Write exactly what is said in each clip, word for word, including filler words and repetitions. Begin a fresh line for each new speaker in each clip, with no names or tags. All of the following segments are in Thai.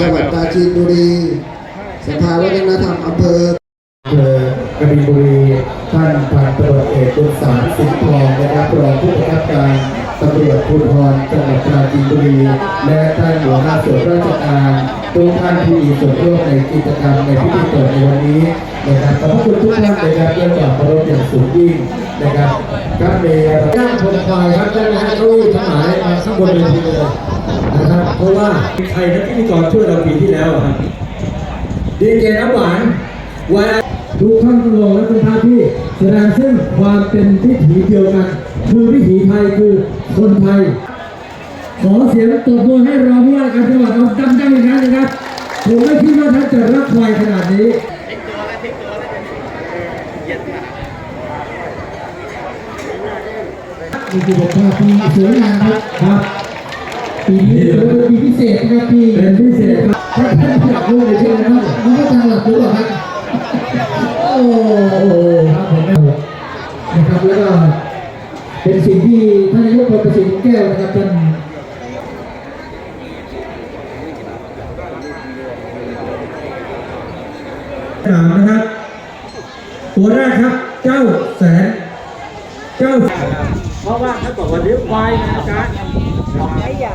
จังหวัดปราจีนบุรีสภาวัฒนธรรมอำเภออำเภอกบินบุรีท่านพันตำรวจเอกบุญสารสิงห์ทองนะครับรองผู้บังคับการตำรวจภูธรจังหวัดปราจีนบุรีและท่านหัวหน้าส่วนราชการทุกท่านที่มีส่วนร่วมในกิจกรรมในพิธีเปิดในวันนี้นะครับขอบคุณทุกท่านนะครับเรื่องจากเคารพอย่างสูงยิ่งนะครับครับเมย์ย่างชมควายครับท่านนะเก้าอี้ทั้งหลายมาข้างบนเวทีเลยนะครับเพราะว่าใครนักพิธีกรช่วยเราปีที่แล้วครับดีเจน้ำหวานวันทุกท่านรองและเป็นท่านที่แสดงซึ่งความเป็นวิถีเดียวกันคือวิถีไทยคือคนไทยขอเสียงตบมือให้รองผู้ว่าการจังหวัดเอาดังๆอีกครั้งนะครับผมไม่คิดว่าท่านจะรักควายขนาดนี้มีกิจกรรมปีสวยงามครับปีนี้เป็นปีพิเศษนะครับปีเป็นพิเศษครับถ้าท่านอยากรู้เลยใช่ไหมครับน้องก็ทางหลักรู้หรอครับโอ้โหครับผมนะครับแล้วก็เป็นสิ่งที่ท่านนายกประสิทธิ์แก้วนะครับท่านถามนะครับตัวแรกครับเจ้าแสนเจ้าเพราะว่าถ้าบอกว่าเลี้ยงควายนะจ๊ะต้อง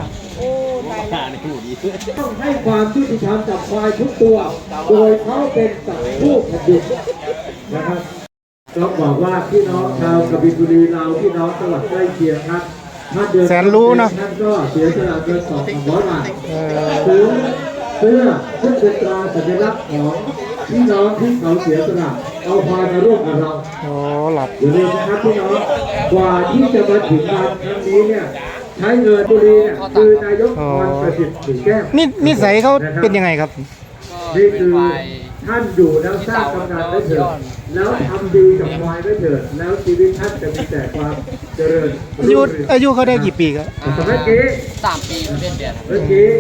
ให้ความยุติธรรมกับควายทุกตัวโดยเขาเป็นสัตว์ผู้แผ่นดินนะครับต้องบอกว่าพี่น้องชาวกบินบุรีเราพี่น้องจังหวัดใกล้เคียงครับถ้าเดือนแสนรู้นะท่านก็เสียสละเงินสองร้อยบาทซื้อเสื้อเพื่อเป็นตราสัญลักษณ์ของพี่น้องที่เขาเสียสละเอาควายมาร่วมกับเราอ๋อหลับอยู่เลยนะครับพี่น้องกว่าที่จะมาถึงงานครั้งนี้เนี่ยใช้เงินบุรีเนี่ยคือนายกพรประสิทธิ์สิงห์แก้วนี่นิสัยเขาเป็นยังไงครับนี่คือท่านอยู่แล้วสร้างกำนันไว้เถิดแล้วทำดีกับควายไว้เถิดแล้วชีวิตท่านจะมีแต่ความเจริญอายุอายุเขาได้กี่ปีครับเมื่อกี้สามปีเดือนเดือนเมื่อกี้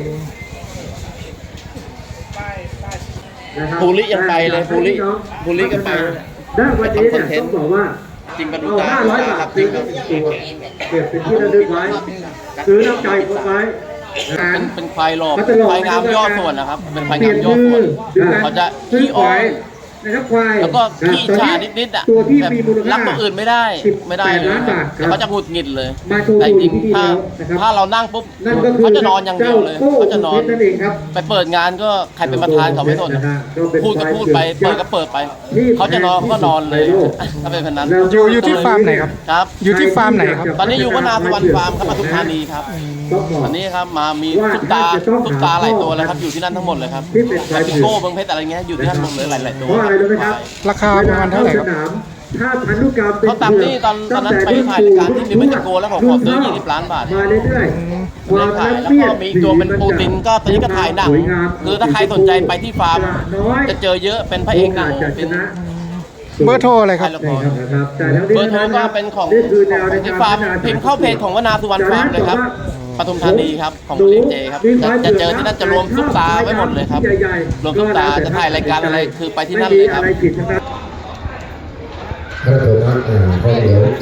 ภูริยังไปเลยภูริภูริก็ไป
ได้วันนี้เนี่ยต้องบอกว่า
จริงกระดูกตา
ห้าร้อยบาทจริงครับเก็บเป็นที่ระลึกไว้ซื้อน้ำใจคนไว้
เป็นเป็นควายหลอกควายงามย่อส่วนนะครับเป็นควายงามย่อส่วนเขาจะขี้อ้อน
นะครับควาย
แล้วก็ขี้ฉานิดๆอ่ะแบบรักตัวอื่นไม่ได้ไม่ได้เลยแล้วเขาจะหงุดหงิดเลยแต่จริงถ้าถ้าเรานั่งปุ๊บเขาจะนอนอย่างเดียวเลยเขาจะนอนไปเปิดงานก็ใครเป็นประธานเขาไม่สนพูดก็พูดไปเปิดก็เปิดไปเขาจะนอนเขาก็นอนเลยถ้าเป็นแบบนั้น
อยู่อยู่ที่ฟาร์มไหนครับ
ครับ
อยู่ที่ฟาร์มไหนครับ
ตอนนี้อยู่วนาสุวรรณฟาร์มครับปทุมธานีครับอันนี้ครับมามีตุ๊กตาตุ๊กตาหลายตัวเลยครับอยู่ที่นั่นทั้งหมดเลยครับพิโก้เบิ้งเพชรอะไรเงี้ยอยู่ที่นั่นหมดเลยหลายๆตัว
ราคาประมาณเท่าไหร่ครับ
ถ้าพันธุกรรมเป็น
เขาตามนี่ตอนตอนนั้นไปถ่ายรายการที่มีเมจิโกแล้วผมขอซื้อยี่สิบล้านบาท
มาเรื่อยๆ
ความถ่ายแล้วก็มีตัวเป็นปูตินก็ตอนนี้ก็ถ่ายหนังคือถ้าใครสนใจไปที่ฟาร์มจะเจอเยอะเป็นพระเอกหนังเป็น
เบอร์โทรอะไรครับ
เบอร์โทรก็เป็นของที่ฟาร์มพิมพ์เข้าเพจของวนาสุวรรณฟาร์มเลยครับปทุมธานีครับของเลี้ยงเจครับจะเจอที่นั่นจะรวมซุปตาไว้หมดเลยครับรวมซุปตาจะถ่ายรายการอะไรคือไปที่นั่นเลยครับ
พระโทษนะพอเดี๋ยว